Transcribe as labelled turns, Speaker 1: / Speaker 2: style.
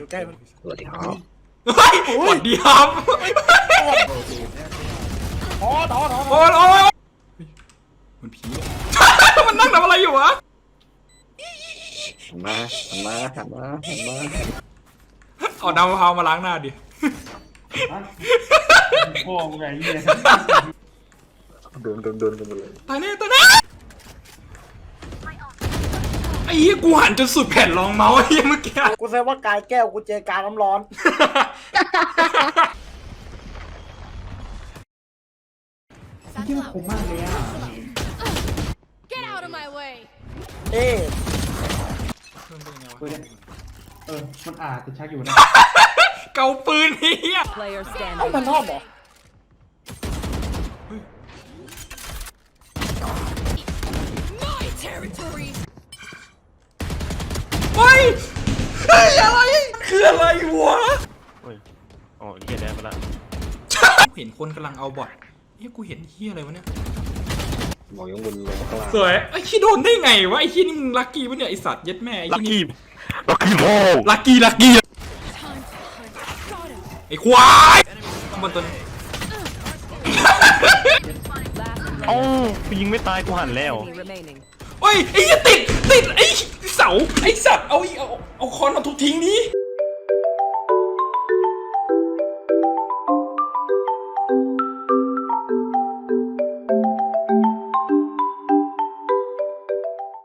Speaker 1: อยู่ใกล้มัน
Speaker 2: สวัสดีครับ
Speaker 3: เฮ้ยสวัสดีครับ
Speaker 1: โอ้ต่อ
Speaker 3: โอ้ยมันผีมันนั่งทำอะไรอยู่วะ
Speaker 2: หันมา
Speaker 3: เอาน้ำมะพร้าวมาล้างหน้าดิ
Speaker 1: โอ้ไงเนี่ย
Speaker 2: โดนกันหมดเลย
Speaker 3: ตายแน่ไอ้เหี้ยกูหันจนสุดแผ่นรองเมาส์ไอ้เหี้ยเมื่อกี้
Speaker 1: กูแซวว่ากายแก้วกูเจอกายน้ำร้อน
Speaker 4: Satchel out.
Speaker 1: ผมมากเลยอ่ะ
Speaker 4: Get out of my way.
Speaker 1: เอ๊ะ
Speaker 5: มันอาจจะชักอยู่นะ
Speaker 3: เกาปืนเฮีย
Speaker 6: Player
Speaker 1: เอ้า
Speaker 6: standing.
Speaker 1: มันชอบเหรอ
Speaker 4: My territory.
Speaker 3: เฮ้ยอะไรคืออะไรวะ
Speaker 7: เฮ้ยอ๋อเหี้ยได้มาละ
Speaker 3: เห็นคนกำลังเอาบอทเฮ้ยกูเห็นเฮียอะไรวะเนี่ย
Speaker 2: มองยังบนลงข้างล่าง
Speaker 3: สวยไอ้ขี้โดนได้ไงวะไอ้ขี้นี่มึงลักกี้ปะเนี่ยไอสัตว์เย็ดแม่ไอ้
Speaker 7: ลัก
Speaker 3: ขี้
Speaker 7: กี้โม่
Speaker 3: ลักกี้
Speaker 4: Time to hunt. Got him.
Speaker 3: ไอ้ควายข้างบนตัวนี้
Speaker 7: เอ้ากูยิงไม่ตายกูหันแล้ว
Speaker 6: Enemy remaining.
Speaker 3: โอ้ยไอ้เหี้ยติดไอ้เสาไอ้สัตว์เอาคอนมาทุบทิ้งนี้